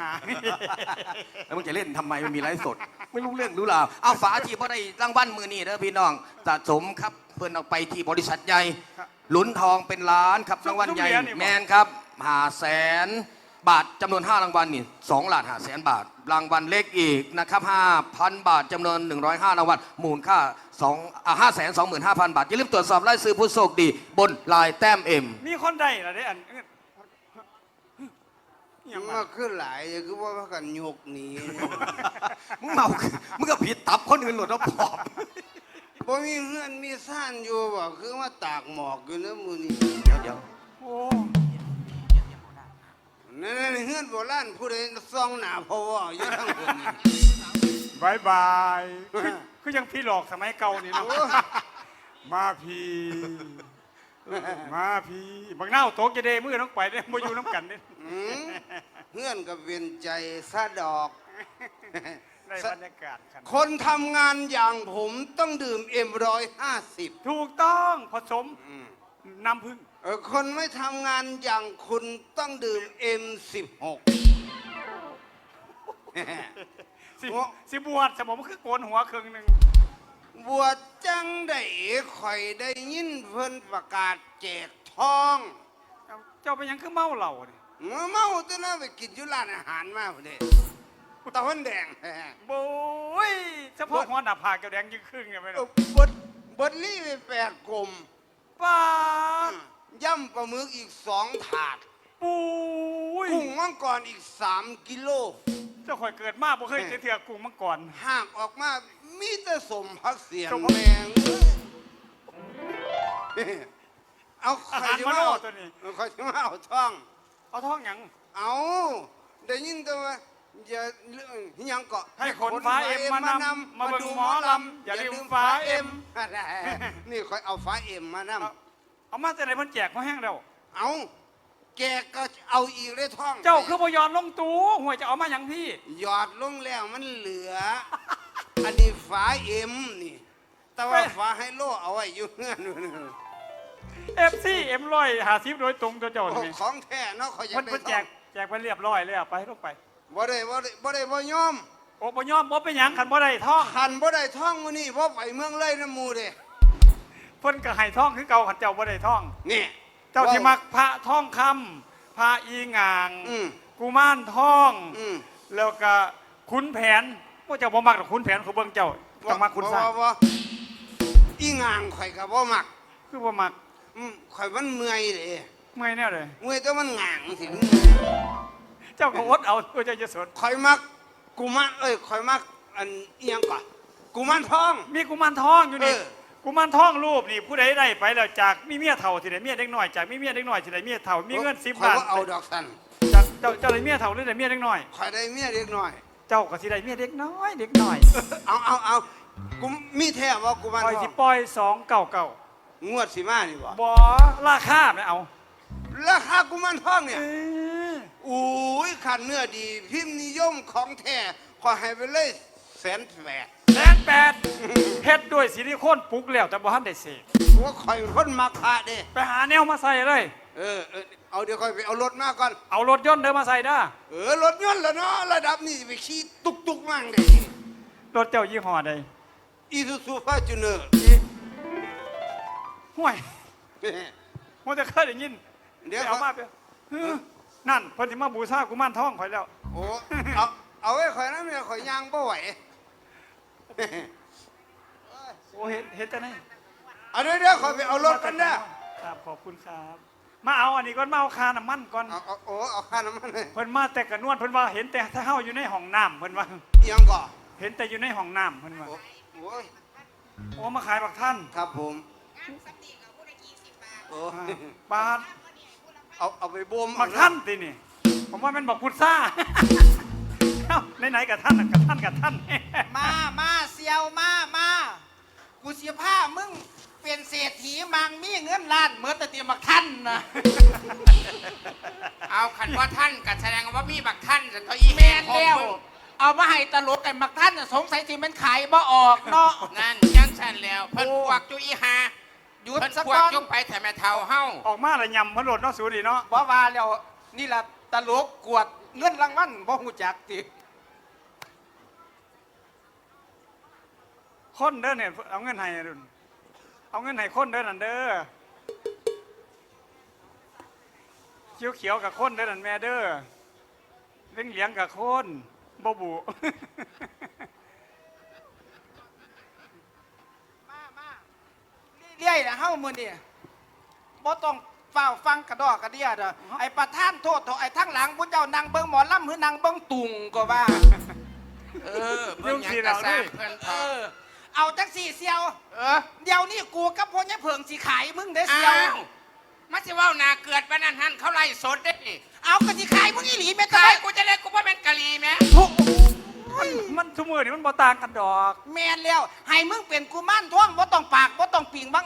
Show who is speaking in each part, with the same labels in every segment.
Speaker 1: า
Speaker 2: แล้วมึงจะเล่นทำไมมันมีไลฟ์สดไม่รู้เรื่องรู้ราวเอาฝาที่พอได้รางวัลมือนี่นะพี่น้องสะสมครับเพื่อนเอาไปที่บริษัทใหญ่ลุ้นทองเป็นล้านครับรางวัลใหญ่แมนครับ500,000 บาทจำนวน5รางวัลนี่2,500,000 บาทรางวัลเล็กอีกนะครับ5,000 บาทจำนวน105รางวัลมูลค่า525,000 บาทอย่าลืมตรวจสอบรายชื่อผู้โชคดีบนลายแต้มเอ็ม
Speaker 1: มีคนได้เหรอได้อัน
Speaker 3: มาขึ้นหลายคือว่ากันยกหนี
Speaker 2: มึงเมามึงก็ผิดตับคนอื่นหลุดแล้วปอบ
Speaker 3: บ่มีเพื่อนมีซ่านอยู่บ่คือว่าตากหมอกอยู่นะมื้อนี้
Speaker 2: เดี๋ยว
Speaker 1: โอ้
Speaker 3: นั่นเฮือนโบราณผู้ใดซ่องหน้าพ่อว่าอยู่ทั้งคนนี้
Speaker 1: บายบายคือยังพี่หลอกสมัยเก่านี่เนาะมาพี่บางเน่าโตกจะเดมือต้องไปได้มาอยู่น้ำกันเนี่ย
Speaker 3: เฮือนกับเวียนใจซะดอก
Speaker 1: ในบรรยากาศ
Speaker 3: คนทำงานอย่างผมต้องดื่มM150
Speaker 1: ถูกต้องผสมน้ำผึ้ง
Speaker 3: คนไม่ทำงานอย่างคุณต้องดื่ม M16
Speaker 1: สิบวชสมองคือโกนหัวครึ่งหนึ่ง
Speaker 3: บวชจังได้ข่อยได้ยินเพิ่นประกาศแจกทอง
Speaker 1: เจ้าไปยังคือเมาเหล่าเนี่ย
Speaker 3: เมาตัวนั้นไปกินยุร้านอาหารมาพอดีตะวันแดง
Speaker 1: โบ้ยเฉพาะหัวหน้าผากแดงยิ่งครึ่งไงไม่รู้
Speaker 3: บดลี่ไป8 กลม
Speaker 1: ป้า
Speaker 3: ย่ำปลาหมึกอีก2 ถาด
Speaker 1: ปุ้ย
Speaker 3: กุ้งมังกรอีก3 กิโล
Speaker 1: เจ้าข่อยเกิดมาบ่เคยเถื่อกุ้งมังกร
Speaker 3: ห่างออกมามีแต่สมพักเสียงแมงเอาใครจะมาเอาตัวนี้ใครจะมาเอาท่
Speaker 1: องหยัง
Speaker 3: เอาได้ยินตัวว่าอย่ายังเกาะ
Speaker 1: ให้คนฟ้าเอ็มมานำมาดูหมอลำอย่าลืมฟ้าเอ็ม
Speaker 3: นี่คอยเอาฟ้าเอ็มมานำ
Speaker 1: เอามาแต่ไหนมันแจกมาแห้งแล้ว
Speaker 3: เอาแกก็เอาอีกเลยท่อง
Speaker 1: เจ้าคือพยอนลงตู้หัวจะเอามาอย่างพี่
Speaker 3: หยอดลงแล้วมันเหลืออันนี้ฟ้าเอ็มนี่แต่ว่าฟ้าไฮโลเอาไว้อยู่เงื่อน
Speaker 1: FC M150โดยตรงตัวเจ้า
Speaker 3: นี่ของแท้เนาะเขาอยากได้
Speaker 1: ท่องแจกไปเรียบร้อยเลยไปลงไป
Speaker 3: บ่ได้บ่ยอม
Speaker 1: โอ้บ่ยอมบ่เป็นหยังขันบ่ได้ท่อง
Speaker 3: ขันบ่ได้ท่องมื้อนี้เพราะไปเมืองเลยน้ำมูเด้
Speaker 1: เพิ่นก็ให้ท่องคือเก่าขันเจ้าบ่ได้ท่อง
Speaker 3: นี่
Speaker 1: เจ้าที่มักพระท่องคำพระอีงางกุมารทองแล้วก็ขุนแผนพวกเจ้าบ่มักหรอกขุนแผนเขาเบิ่งเจ้าต้องมักขุนซ่า
Speaker 3: อีงางข่อยก็บ่มัก
Speaker 1: คือบ่มัก
Speaker 3: ข่อยมันเมื่อยเด้
Speaker 1: เมื่อยแน่เลย
Speaker 3: เมื่อยแต่มันงางสิ
Speaker 1: เจ้าก็อดเอาตัวเจ้าจะสน
Speaker 3: ข่อยมักกุมารข่อยมักอันอีหยังก่อนกุมารทอง
Speaker 1: มีกุมารทองอยู่นี่กุมารทองรูปนี่ผู้ใดได้ไปแล้วจากมีเมียเฒ่าที่ไหนเมียเด็กน้อยจากมีเมียเด็กน้อยที่ไหนเมียเฒ่ามีเงิน10 บาท
Speaker 3: เอาดอกสัน
Speaker 1: จากเจ้าได้เมียเฒ่าหรือได้เมียเด็กน้อย
Speaker 3: ข่อยได้เมียเด็กน้อย
Speaker 1: เจ้าก็สิได้เมียเด็กน้อย
Speaker 3: เอากูมีแท้บ่กุมารทอง
Speaker 1: ปล่อยสิปล่อย299
Speaker 3: งวดสิมานี่บ่
Speaker 1: ราคาไม่เอา
Speaker 3: ราคากุมารทองเนี่ยอุ้ยขันเนื้อดีพิมพ์นิยมของแท้ขอให้ไปเลย108,000
Speaker 1: เฮ็ดด้วยซิลิโคนปลุกแล้วแต่บ่ทันได้เสก
Speaker 3: ว่าข่อยคนมักพระเด้
Speaker 1: ไปหาแนวมาใส่เลย
Speaker 3: เอาเดี๋ยวค่อยไปเอารถมาก่อน
Speaker 1: เอารถยนต์เดินมาใส่ด้
Speaker 3: รถยนต์แล้วเนาะระดับนี้ไปขี่ตุกมั่งเด้
Speaker 1: รถเจ้ายี่ห้อใด
Speaker 3: Isuzu Fortuner
Speaker 1: ห่วยมันจะเคยได้ยิน
Speaker 3: เดี๋ยว
Speaker 1: เอามาไปนั่นเพิ่นสิมาบูชากุมารทองข่อยแล้ว
Speaker 3: โอ้เอาไว้ข่อยนะเมียข่อยย่างบ่ไหว
Speaker 1: โอ้เห็นแต่ไหน
Speaker 3: เดี๋ยวข่อยไปเอารถกัน
Speaker 1: นะครับขอบคุณครับมาเอาอันนี้ก่อนมาเอาคาน้ำมันก่อน
Speaker 3: เอาคาน้ำมัน
Speaker 1: เพิ่นมาแต่กระนวลเพิ่นว่าเห็นแต่ถ้าเฮาอยู่ในห้องน้ำเพิ่นว่า
Speaker 3: ยังก่อ
Speaker 1: เห็นแต่อยู่ในห้องน้ำเพิ่นว่าโอ้มาขายบักท่าน
Speaker 3: ครับผม
Speaker 1: บาท
Speaker 3: เอาไปบ่ม
Speaker 1: บักท่านตีนี่ผมว่ามันบอกพุทธาไหนกับท่านกับท่าน
Speaker 4: มาเซียวมากูเสียผ้ามึงเปลี่ยนเศรษฐีมังมีเงินล้านเมื่อแต่เตรียมบักท่านนะ
Speaker 5: เอาขันว่าท่านกับแสดงว่ามีบักท่านแต่ตัว
Speaker 4: อีแมนแล้วเอามาให้ตลกไอ้บักท่านสงสัยที่มันขายบ่ออกเนาะ
Speaker 5: นั่นยังสั่นแล้วเพิ่นพวกจุอีหา
Speaker 4: หยุดสัก
Speaker 5: พวกจุไปแต่แม่เท่าเฮา
Speaker 1: ออกมาละยำพระโหลดเนาะสูดีเนาะ
Speaker 4: ว่าแล้วนี่แหละตลกกวดเงินรางวัลบ่ฮู้จักติ
Speaker 1: คนเด้อเนี่ยเอาเงินให้ดุนเอาเงินให้คนเด้อนั่นเด้อเขียวๆกับคนเด้อนั่นแม่เด้อเหลียงกับคนบ่บุ
Speaker 4: มาเรื่อยๆนะเฮามื้อนี้บ่ต้องเฝ้าฟังกระดอกกระเดียดอะไอ้ประธานโทษเถอะไอ้ทั้งหลังผู้เจ้านั่งเบิ่งหมอลำหรือนั่งเบิ่งตุงก็ว่า
Speaker 5: เออเพิ่นหยังกระซาเพิ่นเถ
Speaker 4: เอ
Speaker 5: อะ
Speaker 4: อ เอาจังสี่เซียว
Speaker 5: เออ
Speaker 4: เดี๋ยวนี้กูกับพ่อเนี่ยเผิงสิขายมึงเด้อ
Speaker 5: อ้า
Speaker 4: เซียว
Speaker 5: วมาสิเว้านาเกิดปานนั้นหันเขาไล่สดเด้นี่
Speaker 4: เอาก็สิขายมึงอีหลีแม่
Speaker 5: ตา
Speaker 4: ตาย ย
Speaker 5: กูจะเล่นกูว่าเป็นกะลีแม่
Speaker 1: มันทุกมือนี่มันบ่ต่างกันดอก
Speaker 4: แม่นแล้วให้มึงเป็นกุมารทองบ่ต้องปากบ่ต้องปิงบัง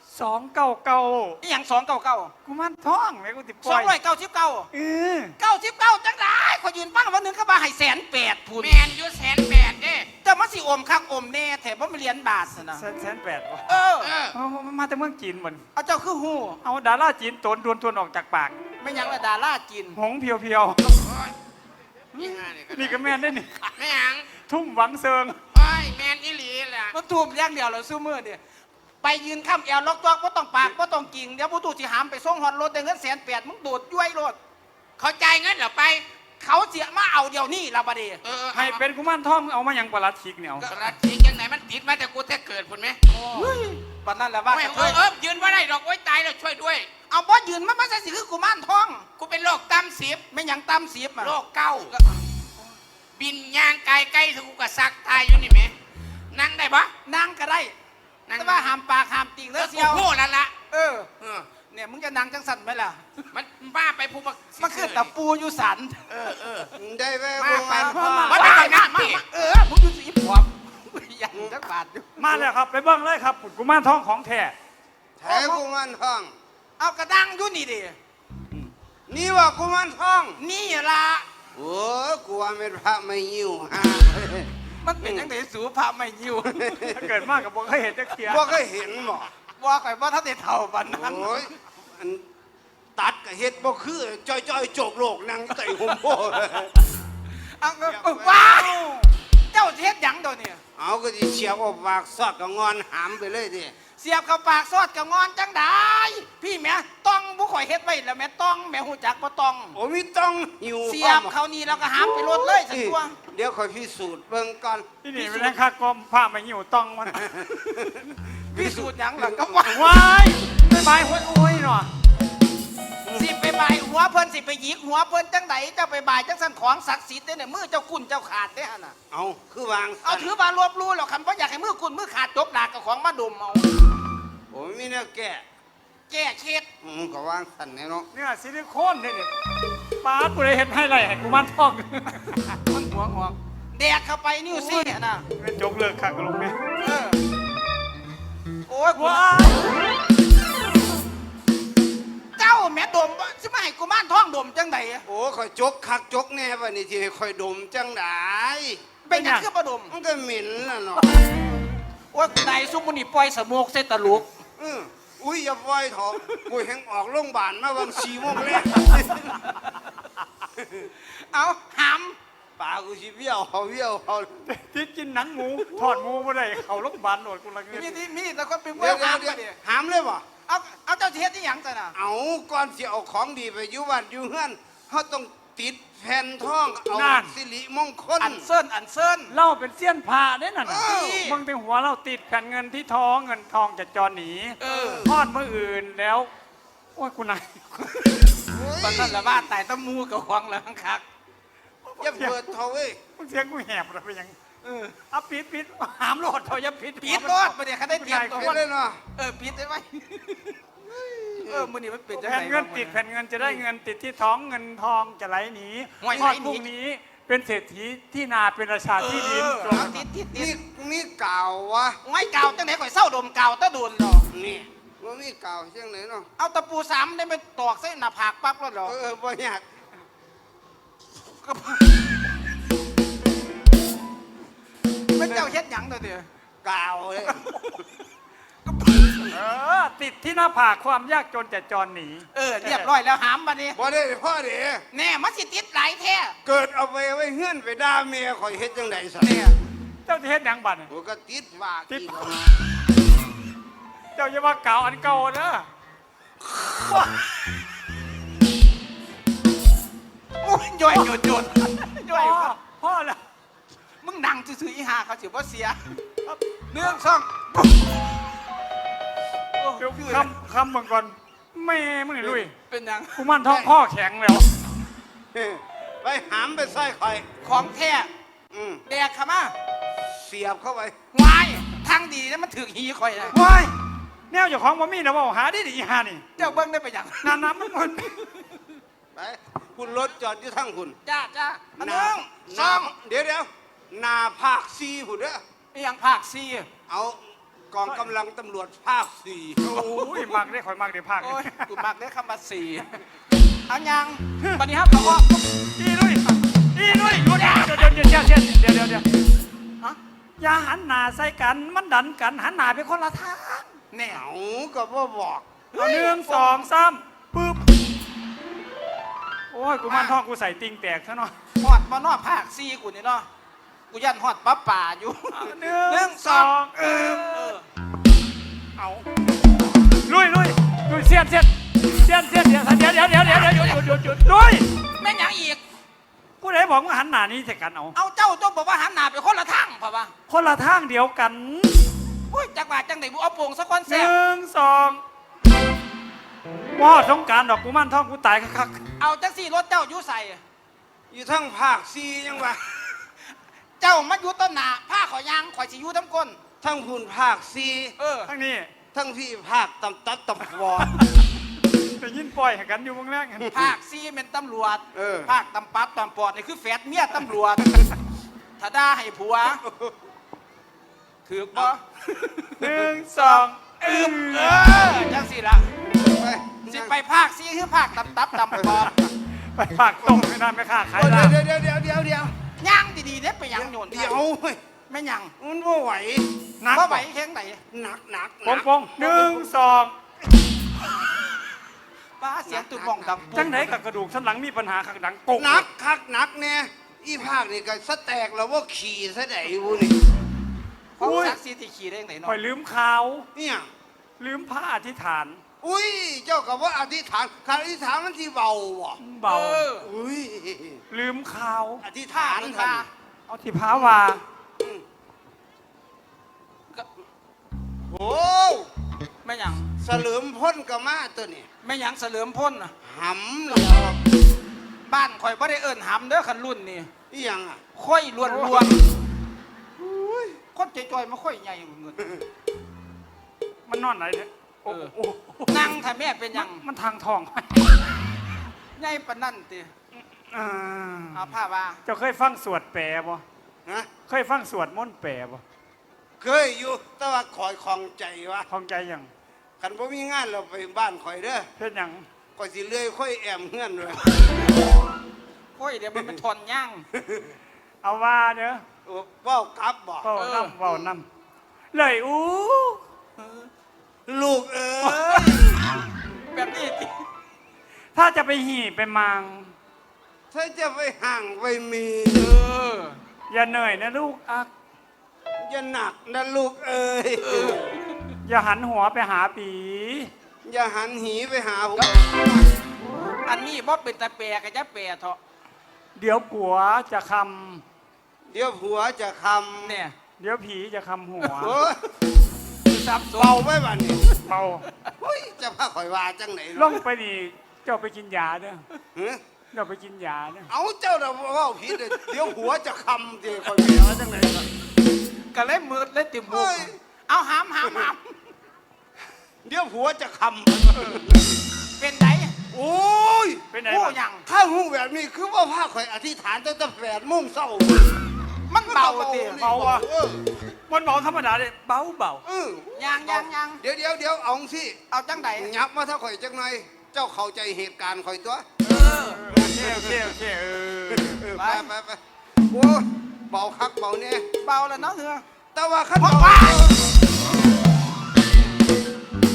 Speaker 1: 299
Speaker 4: อีหยัง299
Speaker 1: กูมันท้องแม่กูติปล่อย
Speaker 4: 299
Speaker 1: เออ
Speaker 4: 99จังได้ขอยยืนฟังวันหนึงก็ว่าให้180,000พูน
Speaker 5: แม่นอยู่180,000เด้
Speaker 4: แต่มันสิอมคักอมแน่แถมบ่มีเหรียญบาทซะนะ
Speaker 1: 180,000บ่
Speaker 4: เออ
Speaker 5: เออ
Speaker 1: เอามาแต่เมืองจีนหมด
Speaker 4: เอาเจ้าคือฮู้
Speaker 1: เอาดาราจีนโตนดวนออกจากปาก
Speaker 4: ไม่หยังละดาราจีน
Speaker 1: หงเพียว
Speaker 5: โอ้ยนี่ห่านี่
Speaker 1: ๆ นี่ก็แม่นได้นี่
Speaker 5: แม่หยัง
Speaker 1: ทุ่มหวังเซิง
Speaker 5: โอ้ยแม่นอีหลีแหละ
Speaker 4: มันทูมอย่างเดียวแล้วซุมื้อนี่ไปยืนค้ำแอวล็อกตัวบ่ต้องปากบ่ต้องกิ่งเดี๋ยวผู้ตู้สิหามไปส่งฮอดรถได้เงิน180,000มึงโดดย้วยรถ
Speaker 5: เขาจ่ายเงินเหรอไป
Speaker 4: เขาเสียมาเอาเดี๋ยวนี้ละบัดนี้
Speaker 5: เออ
Speaker 1: ให้เป็นกุมารทองเอามาหยังประหลัดขิกเนี่ยเอา
Speaker 5: กระทิงยังไงมันติดมาแต่กูแต่เกิดพุ่นไหม
Speaker 4: บัดนั้นแหละว่า
Speaker 5: ไม่
Speaker 4: กระเท
Speaker 5: เออย ยืนว่าได้ดอกโอ้ยตายแล้วช่วยด้วย
Speaker 4: เอาบ่ยืนมันบ่ใช่สิคือกุมารทอง
Speaker 5: กูเป็นโรคตั้มสิบ
Speaker 4: ไม่หยังตำ10อ่ะ
Speaker 5: โรคเก้าบินย่างไกลใกล้ถึงกูกระซักตายอยู่นี่ไหมนั่งได้ปะ
Speaker 4: นางก็ได้
Speaker 5: นั่ง
Speaker 4: แต่ว่าห้ามปากห้ามติ่ง
Speaker 5: เอ
Speaker 4: เด้
Speaker 5: อ
Speaker 4: อ
Speaker 5: กู
Speaker 4: เสียว
Speaker 5: พูดแล้วละ
Speaker 4: เออ
Speaker 5: เออ
Speaker 4: เนี่ยมึงจะนางจังสั่นไหมล่ะ
Speaker 5: มันบ้าไปผู้บัก
Speaker 4: มันคือตะปูอยู่สัน
Speaker 5: เออ
Speaker 3: ได้แว่
Speaker 5: มา
Speaker 3: กุ
Speaker 5: ไป
Speaker 3: มารทอง
Speaker 5: มาได้นะพี่
Speaker 4: เออมึงอยู่สีผอมยังจักบาทอยู่
Speaker 1: มาแล้วครับไปเบิ่งเลยครับกุมารทองของแท้
Speaker 3: แท้กุมารทอง
Speaker 4: เอากระดังอยู่นี่ดิ
Speaker 3: นี่ว่ากุมารทอง
Speaker 4: นี่ล่ะ
Speaker 3: โอ้กูว่าเป็นพระไม่ยิ้วฮะ
Speaker 4: มันเป็นจังไดสูพระไม่ยิว
Speaker 1: ถ้าเกิดมากกับบ่เคยเห็นจักเทีย
Speaker 3: บ่เคยเห็นบ่
Speaker 4: ว่าข่อยว่าถ้าได้เท่าบันนั้น
Speaker 3: โอ้ยอันตัดกับเฮ็ดบ่คือจ้อยๆโจกโลกนั่งไต่หุ่มโพ
Speaker 4: เอาว้าวเจ้าเฮ็ดหยังตัวเนี่ย
Speaker 3: เอาก็สิเฉียบออกปากซอดก็งอนหามไปเลยดิ
Speaker 4: เสียบเข้าปากซอดกับงอนจังได้พี่แม่ต้องผู้ข่อยเฮ็ดไว้แล้วแม่ต้องแม่หูจักบ่ต้อง
Speaker 3: โอ้มีต้องหิว
Speaker 4: เสียบเขานี่แล้วก็หามไปรถเลยสักตัว
Speaker 3: เดี๋ยวค่อยพิสูจน์เบิ่งก่อน
Speaker 1: ที่นี่เป็นค่ากรมผ้าไม่หิวต้องมัน
Speaker 4: พิสูจน์หยังล่ะก็ว่า
Speaker 1: ว้ายไม่บายห้วยโอ้ยหน่อ
Speaker 4: สิไปบายหัวเพิ่นสิไปหยิกหัวเพิ่นจังไดเจ้าไปบายจังสันของศักดิ์สิทธิ์เด้อเนี่ยมือเจ้ากุนเจ้าขาดเด้อหั่นน่ะ
Speaker 3: เอาคือวาง
Speaker 4: เอาถือบารวบรู้หรอกคันบ่อยากให้มือกุนมือขาดจบดากกับของมาดมเอา
Speaker 3: โอ้มีแนวแก่
Speaker 4: แก้เคล็ด
Speaker 3: ก็วางสั่นแน่เนาะ
Speaker 1: เนี่ยซิลิโคนเนี่ยนี่ปาดกูเลยเห็นให้ไรให้กุมารทอง
Speaker 4: มันหัวงอกแดกเข้าไปนิ้วซี่น่ะ
Speaker 1: เป็นจกเลิกคักกับลุงเนี่ย
Speaker 4: เออโอ้ยกู
Speaker 1: ว้าย
Speaker 4: เจ้าแม่ดมสิมาให้กุมารทองดมจังไดอะ
Speaker 3: โอ้ข่อยจกคักจกแน่วันนี้ที่ให้ข่อยดมจังได
Speaker 4: เป็นหยังคือบ่ดม
Speaker 3: มันก็เหม็นน่ะเนาะ
Speaker 4: โอ้ยนายซุมมุนี่ปล่อยสโมกใส่ตะลุก
Speaker 3: อุ้ยอย่าปล่อยเถอะกูแหงออกโรงพยาบาลมาวัน4 โมงแรก
Speaker 4: เอาห
Speaker 3: ปากกูสิเบี้ยวเขาเบี้ยวเขา
Speaker 1: ที่กินหนังหมูทอดหมูบ่ได้เขาโรงพยาบาลโหนดกูละเงิ
Speaker 4: ำ
Speaker 1: น
Speaker 4: มีที่มีแต่คนเป็น
Speaker 3: เดี๋ยว
Speaker 4: หาม
Speaker 3: เดี๋
Speaker 4: ไป
Speaker 3: ยว
Speaker 4: ดิ
Speaker 3: หามเลยบ่
Speaker 4: เอาเจ้าสิเฮ็ดที่หยังจ้ะน่ะ
Speaker 3: เอาก่อนสิเอาของดีไปอยู่บ้านอยู่เฮือนเขาต้องติดแผ่นทองเอาสิริมงคล
Speaker 4: อันเซินอันเซิน
Speaker 1: เล่าเป็นเสี้ยนผ้าได้น่ะนะ
Speaker 3: เออ
Speaker 1: มึงเป็นหัวเราติดแผ่นเงินที่ท้องเงินทองจะจรหนีทอดเมื่ออื่นแล้วโอ้ยกูนาย
Speaker 4: ตอนนั้นละว่าตายตะมูกับควงแล้วคัก
Speaker 3: อย่าเปิดเถอะเว้ย
Speaker 1: มึงเสียงกูแหบเลยไปยังเอาปิดหามโลดเขาอย่าปิด
Speaker 4: ปิดรถมาเดี๋ยวเขาได้เตรียมตัว
Speaker 3: ไปเลยเนาะ
Speaker 4: ปิดได้ไหมมื้อนี้มันเป็นจัง
Speaker 1: แผ่น
Speaker 4: ได
Speaker 1: เงินติดแผ่นเงินจะได้เงินติดที่ท้องเงินทองจะไหลหนี
Speaker 4: ห่วย
Speaker 1: ทอด
Speaker 4: ไหลหนี
Speaker 1: พรุ่งนี้เป็นเศรษฐีที่นาเป็นราชาที่ดิน
Speaker 4: เอาติด
Speaker 3: นี่มีกาววะ
Speaker 4: ไว้กาวจังไหนข่อยเศร้าดมกาวตะโดนหรอ
Speaker 3: นี่ว่ามีกาวเชียงไหนเนาะ
Speaker 4: เอาตะปู3ได้ไปตอกใส่หน้าผากปั๊บแล้วหรอ
Speaker 3: บ่อยาก
Speaker 4: เป็นเจ้าเฮ็ดหยังตัวเดียว
Speaker 3: กาวเลย
Speaker 1: ติดที่หน้าผากความยากจนจะจรหนี
Speaker 4: เรียบร้อยแล้วหามมานี่
Speaker 3: บ่ได้พ่อเด้
Speaker 4: แน่มันสิติดหลายแท้
Speaker 3: เกิดเอาไปไว้เฮือนไปด่าเมียข่อยเฮ็ดจังได๋ซะ
Speaker 4: เนี่ย
Speaker 1: เจ้าจะเฮ็ดหยังบัดเนี่ย
Speaker 3: โอ้ก็ติดว่า
Speaker 1: ติด
Speaker 3: กี่บ่
Speaker 1: เจ้าอย่ามาเก่าอันเก่าเด้อ
Speaker 4: โอ้ยย่อยหยุดย่อย
Speaker 1: พ่อแล้ว
Speaker 4: มึงนั่งซื่อๆอีหาเขาสิบ่เสียเรื่องสอง
Speaker 1: เดี๋ยวคำมึงก่อนแม่มึงนี่ลุย
Speaker 4: เป็นหยัง
Speaker 1: กูมันท้องข้อแข็งแล้ว
Speaker 3: ไปหามไปใส่ข่อย
Speaker 4: ของแท้
Speaker 3: อืม
Speaker 4: แดกเขามา
Speaker 3: เสียบเข้าไป
Speaker 4: วายทางดีแล้วมันถึกหีข่อยเลย
Speaker 1: ว้ายแนวเจ้าของบ่มีนะว่าหาได้ดีหานี่
Speaker 4: เจ้าเบิ้งได้ไปหยัง
Speaker 1: น้ำมันหมด
Speaker 3: ไปคุณรถจอดอยู่ทั้งคุณ
Speaker 4: จ้าอัน
Speaker 3: ห
Speaker 4: นึ
Speaker 3: น้าง
Speaker 4: สอง
Speaker 3: เดี๋ยวหน้าภาค4พุ่นเด้อ
Speaker 4: อีหยังภาคซี
Speaker 3: เอากองกำลังตำรวจภาค4
Speaker 1: โอ้ยมักได้ข่อยมักได้ภาค
Speaker 4: โอ้ยกูมักได้คำว่าสี่เอายังวันนี้ครับเขาว่า
Speaker 1: อีลุยอีลุยเดี๋ยว
Speaker 4: ฮะ
Speaker 1: อย่าหันหน้าใส่กันมันดันกันหันหน้าไปคนละทาง
Speaker 4: เนี่ย
Speaker 3: เอาก็บ่บอก
Speaker 1: เอา1 2 3ปึ๊บโอ้ยกูมันท้องกูใส่ติงแตกซะเนาะ
Speaker 4: ฮอดมานอกภาคซีกูนี่เนาะกูยันฮอดป้าป่าอยู่
Speaker 1: หนึ่งสองเอาลุยเสียนเดี๋ยวหยุดลุย
Speaker 4: แม่งหยังอีก
Speaker 1: ผู้ใดบอกว่าหันหน้านี้ใส่กันเอา
Speaker 4: เอาเจ้าต้องบอกว่าหันหน้าไปคนละทางป่ะวะ
Speaker 1: คนละทางเดียวกัน
Speaker 4: โอ้ยจักว่าจังไหนบุเอาโป่งสักคน
Speaker 1: ห
Speaker 4: แซ่บ
Speaker 1: นึ่งสองว่าสงการดอกกูมันท้องกูตายคัก
Speaker 4: เอาจังสี่รถเจ้าอยู่ใส่
Speaker 3: อยู่ทั้งภาค4ยังวะ
Speaker 4: เจ้ามาอยู่ต้นหนาผ้าขอยยางข่อยสิอยู่ทั้งก้น
Speaker 3: ทั้งคุณภาค
Speaker 1: ๆทั้งนี้
Speaker 3: 4ทั้งพี่ภาคตำตัดตำวอ
Speaker 1: ไปยินปล่อยให้กันอยู่เมืองแรก
Speaker 4: ภาคซีเป็นตำรวจ
Speaker 3: เออ
Speaker 4: ภาคตำปัดตำปอดนี่คือแฝดเมียตำรวจถ้าด่าให้ผัวถือกบ่
Speaker 1: หนึ่งสอง
Speaker 4: จังสี่ละ
Speaker 3: ไป
Speaker 4: สิไปภาคซีคือภาคตำตับตำปอด
Speaker 1: ไปปากตรงไม่ได้ไม่ค่าขาย
Speaker 3: โอ้
Speaker 1: ได้
Speaker 3: เดี๋ยว
Speaker 4: ย่างดีๆเด้ไปย่างโยน
Speaker 3: เดี๋ยวเฮ้ย
Speaker 4: ไม่ย่าง
Speaker 3: มันบ่ไหว
Speaker 1: หนัก
Speaker 4: เพราะไหวแข้งไหน
Speaker 3: หนัก
Speaker 1: ปงหนึ่งสอง
Speaker 4: ป้าเสียงตุ่มมองดัง
Speaker 1: จังไหนกับกระดูกสันหลังมีปัญหาขักดังกง
Speaker 3: หนักคักหนักเนี่ยอีภาคนี่ก็สแตกแล้วว่าขี่ซะไหนวูนี่
Speaker 4: ของซักซีที่ขี่ได้ยังไง
Speaker 1: ปล่
Speaker 4: เนาะ
Speaker 1: อยลืมข่าว
Speaker 3: เนี่ย
Speaker 1: ลืมผ้าอธิษฐาน
Speaker 3: อุ้ยเจ้ากับว่าอธิษฐานคำอธิษฐานมันที่เบาว่ะ
Speaker 1: เบา
Speaker 3: อุ้ย
Speaker 1: ลืมข่าว
Speaker 3: อธิษ
Speaker 4: ท่า
Speaker 3: ฐาน
Speaker 4: มัน
Speaker 3: ท่า
Speaker 4: ท่า
Speaker 1: เอาที่พาว่า
Speaker 3: โอ้
Speaker 4: ไม่ย่าง
Speaker 3: เสลิมพ้นกับมาตัวนี่
Speaker 4: ไม่ย่างเสลิมพ่นน่ะ
Speaker 3: หำแล้ว
Speaker 4: บ้านข่อยบ่ได้เอิ้นหำเด้อคันรุ่นนี่
Speaker 3: อีหยังอ่ะ
Speaker 4: ค่อยล้วนคนใจจอยมาค่อยใหญ่เงิน
Speaker 1: มันนอนไหนเนี่ยโอ้โห
Speaker 4: นั่งถ้าแม่เป็นหยัง
Speaker 1: มันทางทอง
Speaker 4: ใหญ่ปานนั่นติ
Speaker 1: อ่า
Speaker 4: เอาผ้าว่า
Speaker 1: เจ้าเคยฟังสวดแปรบ่
Speaker 3: นะ
Speaker 1: เคยฟังสวดมนต์แปรบ่
Speaker 3: เคยอยู่แต่ว่าคอยคลองใจวะ
Speaker 1: ของใจยัง
Speaker 3: คันบ่มีงานเราไปบ้านคอยเด้อ
Speaker 1: เพื่อนยัง
Speaker 3: คอยสิเลื่อยค่อยแอมเฮือนเลย
Speaker 4: ค่อยเดี๋ยวมันเป็นทอนย่าง
Speaker 1: เอาว่าเด้อ
Speaker 3: โอ้เว้ากลับบ่
Speaker 1: เว้าน้ำเว้าน้ำเลยอู้
Speaker 3: ลูกเอ้ย
Speaker 4: แบบนี้ติ
Speaker 1: ถ้าจะไปหีไปมัง
Speaker 3: ถ้าจะไปห่างไปมี
Speaker 1: อย่าเหนื่อยนะลูกอัก
Speaker 3: อย่าหนักนะลูกเอ้ย
Speaker 1: อย่าหันหัวไปหาปี
Speaker 3: อย่าหันหีไปหาผม
Speaker 4: อันนี้บ่เป็นตะแปรก็จะแปรเถาะ
Speaker 1: เดี๋ยวผัวจะค
Speaker 3: เดี๋ยวผัวจะคำ
Speaker 4: เนี่ย
Speaker 1: ำเดี๋ยวผีจะคำหัว
Speaker 3: โอ้ย
Speaker 4: ซับซ้อ
Speaker 3: เบาน ไว้บ้านนี้
Speaker 1: เบา
Speaker 3: เฮ้ยจะพาข่อยว่าจังไหน
Speaker 1: ล่องไปนี่เจ้าไปกินยาเด้อ
Speaker 3: เฮ้ย
Speaker 1: เจ้าไปกินยาเด้อ
Speaker 3: เอาเจ้าเราเว่าผิดเลยเดี๋ยวผัวจะคำเดี๋ยวข่อยไปว่าจังไหนล่ะ
Speaker 4: ก็เลยมืดเลยติบุ
Speaker 3: เฮ้
Speaker 4: ก
Speaker 3: ย
Speaker 4: เอาหาม
Speaker 3: เดี๋ยวผัวจะค
Speaker 4: เป็นได
Speaker 3: ำโอ้ย
Speaker 1: เป็นไง
Speaker 4: ผู้
Speaker 1: บ้าง
Speaker 4: หยัง
Speaker 3: ข้าหูแบบนี้คือว่าพาข่อยอธิษฐานตั้งแต่8 โมงเช้า
Speaker 4: มันเบาติ
Speaker 1: เบาว่ะ
Speaker 3: เออ
Speaker 1: มันเบาธรรมดาเลยเบาเบา
Speaker 3: เออ
Speaker 4: ยัง
Speaker 3: เดี๋ยวเอาสิ
Speaker 4: เอาจังได
Speaker 3: ยับมาถ้าข่อยจังหน่อยเจ้าเข้าใจเหตุการณ์ข่อยตัว
Speaker 4: เออ
Speaker 1: โอเค
Speaker 3: ไปโอ้เบาคักเบาเนี่ย
Speaker 4: เบาแล้วเนาะเถอะ
Speaker 3: แต่ว่าขั้น
Speaker 4: พ่อ
Speaker 3: เบา
Speaker 4: ว่า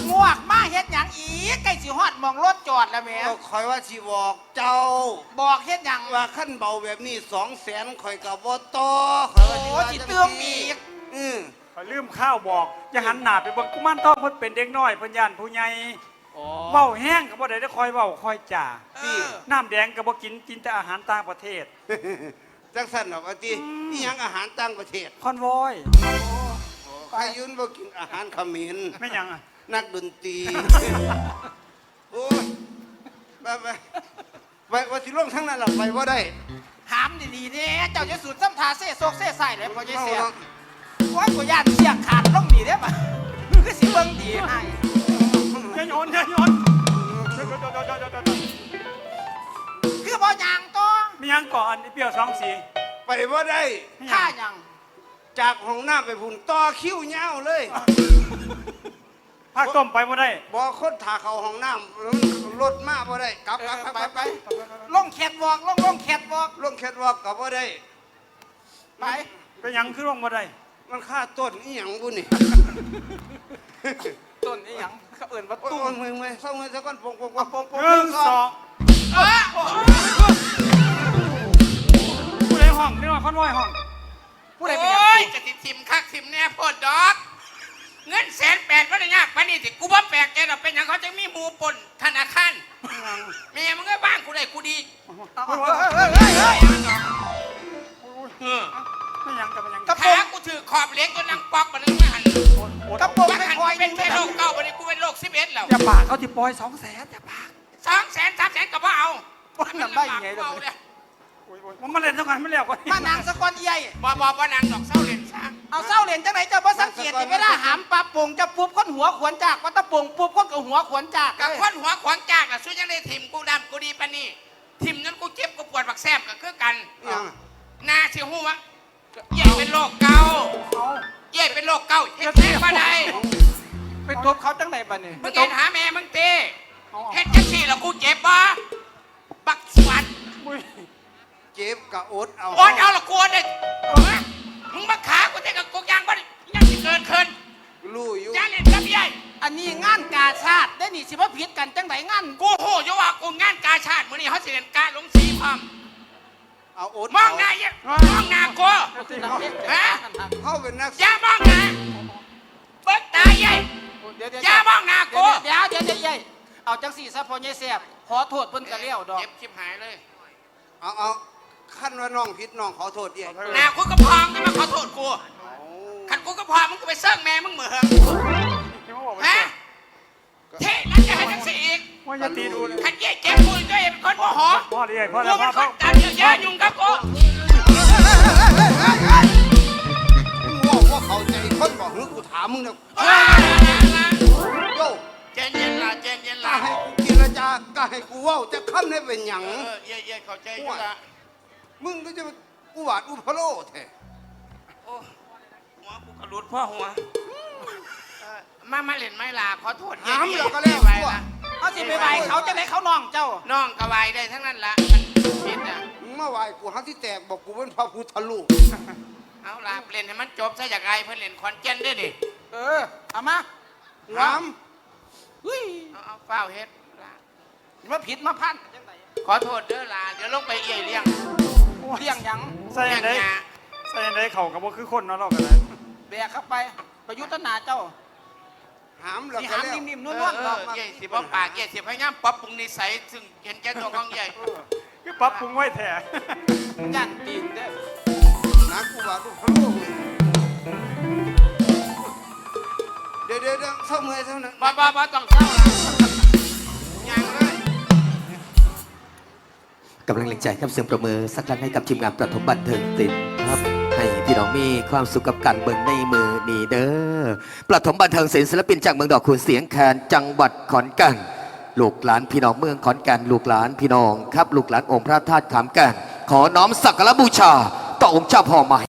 Speaker 4: มาเฮ็ดหยังอีกใกล้สิฮอดหมองรถจอดแล้วแหม่
Speaker 3: ก็คอยว่าสิบอกเจ้า
Speaker 4: บอกเฮ็ดหยัง
Speaker 3: ว่าขั้นเบาแบบนี้200,000ข่อยกับบ่ต่อข่อยว่า
Speaker 4: โอ้
Speaker 3: ว่า
Speaker 4: สิ
Speaker 3: จัง
Speaker 4: เติมอีก
Speaker 3: อือ
Speaker 1: ขอยลืมข้าวบอกอย่าหันหน้าไปเบิ่งกุมารทองเพิ่นเป็นเด็กน้อยเพิ่นย่านผู้ใหญ่เว้าแห้งก็บ่ได้คอยเว้าคอยจ่า
Speaker 3: พี่
Speaker 1: น้ำแดงก็บ่กินแต่อาหารต่างประเทศ
Speaker 3: จังสั่นดอกว่าตินี่ยังอาหารต่างประเทศ
Speaker 1: คอนวอย
Speaker 3: ใครยุ่นบ่กินอาหารเขมร
Speaker 1: ไม่หยังอ่ะ
Speaker 3: นักดนตรี โอ้ยไปว่าสิลงทั้งนั้นหรอกไปว่าได้
Speaker 4: ถามดีๆเนี่ยเจ้าจะสูดซ้ำทาเซ่โซกเซ่ใส่เลยพอจะ
Speaker 3: เมา
Speaker 4: เสีย
Speaker 3: เนาะ
Speaker 4: โอ้ยกูย่านเสียขาดลงดีได้ป่ะคือสิเบิ่งดีให้
Speaker 1: อย่าโยนอย่าโยน
Speaker 4: คือบ่ยางตัว
Speaker 1: มีหยังก่อนเปรี้ยวสองสี
Speaker 3: ไปว่าได้
Speaker 1: ไม่ห
Speaker 4: ค่า
Speaker 1: ยัง
Speaker 4: หยัง
Speaker 3: จากห้องน้ำไปพุ่นต่อคิ้วยาวเลย
Speaker 1: ภาคต้มไปบ่ได้
Speaker 3: บ่คนถ่าเขาห้องน้ำรถมาบ่ได้กลับ
Speaker 4: ไปลงแคทวอล์กลงแคทวอล์ก
Speaker 3: ลงแคทวอล์กกับบ่ได้
Speaker 4: ไป
Speaker 1: ไปหยังคือลงบ่ได้
Speaker 3: มันค่าต้นอีหยังบุนี่
Speaker 4: ต้นนี้หยังเขาเอิ่นว่า
Speaker 3: ตุ้
Speaker 4: ตุ้
Speaker 3: ม
Speaker 4: ม
Speaker 3: มึงเศร้าเงินสักก้อนปง
Speaker 1: หนึ่งสองผู้ใดห้องนี่ว่าคอนวอยห้อง
Speaker 4: ผู้ใดเป็นห
Speaker 5: โอ้
Speaker 4: ยัง
Speaker 5: ยจะติดทิมคักทิมแน่โพดดอก เงิน180,000ก็ได้ยากปานนี้สิกูบ่แปลกใจดอกเป็นหยังเขาจะมีหมู่ปนธนาคารแม่มึงก็บ้างกูได้กูดี เออ
Speaker 1: ไม่หยังกับไม่หยัง
Speaker 4: กระโปร
Speaker 5: ขาง กูถือขอบเหล็กจนนังปอกมันนึงไม่หัน
Speaker 4: กระโปรง
Speaker 5: ว่า
Speaker 4: ไม่
Speaker 5: หัน
Speaker 4: คอย
Speaker 5: เป็นแค่โรคเก้าวันนี้กูเป็นโรค11แล้ว
Speaker 1: อย่าปากเขาที่ปล่อย200,000อย่าปาก
Speaker 5: 200,000 300,000ก็บ่เอา
Speaker 4: นั่นได้ยังไง
Speaker 5: เบา
Speaker 4: ล่ะ
Speaker 5: เลย
Speaker 1: มันมาเล่นสักวันไม่เลี้ยวก่อน
Speaker 4: มานางสะกอนใหญ่
Speaker 5: บ่นางดอกเศร้าเล่นซะ
Speaker 4: เอาเศร้าเหรียญจังไหนเจ้าบ่สังเกตเวลาหามปลาโป่งจะปุ๊บคนหัวขวนจากว่าตะโป่งปุ๊บคนกับหัวขวนจาก
Speaker 5: กับคนหัวขวางจากน่ะสู้ยังได้ทิมกูดำกูดีปานนี้ทิมนั้นกูเจ็บกูปวดบักแซบก็คือกัน
Speaker 3: อีหยัง
Speaker 5: นาสิฮู้วะเย่เป็นโรคเก่าเย่เป็นโรคเก่าเฮ็ดแท้บ่ได้
Speaker 4: ไปทบเขาจังไหนบ้านี่
Speaker 5: มึงเห็นหาแม่มึงตีเฮ็ดจังซี่แล้วกูเจ็บบ่บักสวัสด
Speaker 3: เจ็บกะอดเอา
Speaker 5: โอนเอาละกูเด้มึงมาขากูแต่กับกูยางบ่ได้ยังสิเกินขึ้น
Speaker 3: รู้อยู่
Speaker 5: ยางเล่นกับใหญ่
Speaker 4: อันนี้งานกาชาติได้นี่สิว่าผิดกันจังไหนงาน
Speaker 5: กูโหอยู่ว่ากูงานกาชาติมื้อนี้เฮาสิเล่นกาลงสีพร้อม
Speaker 3: เอาอด
Speaker 5: มองหน้าเย่มองหน้ากู
Speaker 3: เขาเป็นนัก
Speaker 5: อย่ามองหน้าเบิกตาใหญ่อย่ามองหน้ากู
Speaker 4: เดี๋ยวเอาจังสี่ซะพอใหญ่แสบขอโทษเพิ่นกะเลี้ยวดอก
Speaker 5: เจ็บชิบหายเลย
Speaker 3: เอาขั้นว่าน้องผิดน้องขอโทษเอง
Speaker 5: หน้ากูก็พองนี่มาขอโทษกูขันกูก็พอมึงก็ไปเซิร์งแม่มึงเหมืองฮะเท่แล้วจะให้จังสิอีก
Speaker 1: ว่าอย่าตีดูเลย
Speaker 5: ขันเย่เจ็บกูตัวเองเป็นคนโมโห
Speaker 1: พ่อดีพ่อ
Speaker 5: กู
Speaker 1: แล้ว
Speaker 5: เป็
Speaker 1: พ่อน
Speaker 5: คนตัดเยอะแยะยุ่งกับกู
Speaker 3: มึงว่าเข้าใจคนบอกหรือกูถามมึงนะโย่
Speaker 5: เจนเย็นละเจนเย็น
Speaker 3: ก็
Speaker 5: ละ
Speaker 3: ให้กูกินละจาก็ให้กูเว่าจะค้ำได้เป็นหยัง
Speaker 5: เย่เข้าใจอยู่ละ
Speaker 3: มึงก็จะอุบาทอุพโลแท้
Speaker 5: โอ้หัวกูกระลุดพ่อหัวมาเล่นไม่ลาขอโทษ
Speaker 3: หามแล้วก็แล้ว
Speaker 5: ไป
Speaker 3: ตัว
Speaker 5: ละ
Speaker 4: เอาสิไปไหวเขาจังไหนเขาน้องเจ้า
Speaker 5: น้องกระวายได้ทั้งนั้นละมันผิดอ่ะ
Speaker 3: มึงมาไหวกูหักที่แตกบอกกูเป็นพระพุทธรูป
Speaker 5: เอาล่ะเล่นให้มันจบซะจากไงเพื่อนเล่นคอนเจนด้วยดิ
Speaker 4: เอามา
Speaker 3: หาม
Speaker 4: เฮ้ย
Speaker 5: เอาเฝ้าเฮ็ดล่ะ
Speaker 4: มาผิดมาพันจังไหน
Speaker 5: ขอโทษเด้อล่ะเดี๋ยวลงไปเอี่ยเลี้ยง
Speaker 4: เลี้ยงหยัง
Speaker 1: ใส่อันใด
Speaker 5: ยา
Speaker 1: ใส่อันใดเข่ากับว่าคือคนเนาะเรากันเลย
Speaker 4: แบกเข้าไปประยุทธ์นาเจ้า
Speaker 3: หามแล้ว
Speaker 4: สิ
Speaker 3: ก็
Speaker 4: หาม
Speaker 3: แล้ว
Speaker 4: นิ่มๆน
Speaker 5: เอ
Speaker 4: ว
Speaker 5: อ
Speaker 4: ล
Speaker 5: เอ
Speaker 4: ๆดอ
Speaker 5: อก เย่สิบ่ปากเย่สิพยายามปรับปรุงนิสัยซึ่งเห็นแก่ตัวของใหญ่
Speaker 1: คือปรับปรุงไว้แท้
Speaker 4: ย่านตีนเด้อ
Speaker 3: นักอุบาทอุพโลเดี๋ยวเศร้าเมื่อยเท่านั้น
Speaker 5: บ่ต้องเศร้าล่ะยังเลย
Speaker 2: กำลังแรงใจครับเสียงประมือสักครั้งให้กับทีมงานประถมบันเทิงศิลป์ครับ ให้พี่น้องมีความสุขกับการเบิ่งในมือนี่เด้อประถมบันเทิงศิลป์ศิลปินจากเมืองดอกคูณเสียงแคนจังหวัดขอนแก่นลูกหลานพี่น้องเมืองขอนแก่นลูกหลานพี่น้องครับลูกหลานองค์พระธาตุขามแก่นขอน้อมสักการะบูชาต่อองค์เจ้าพ่อใหม่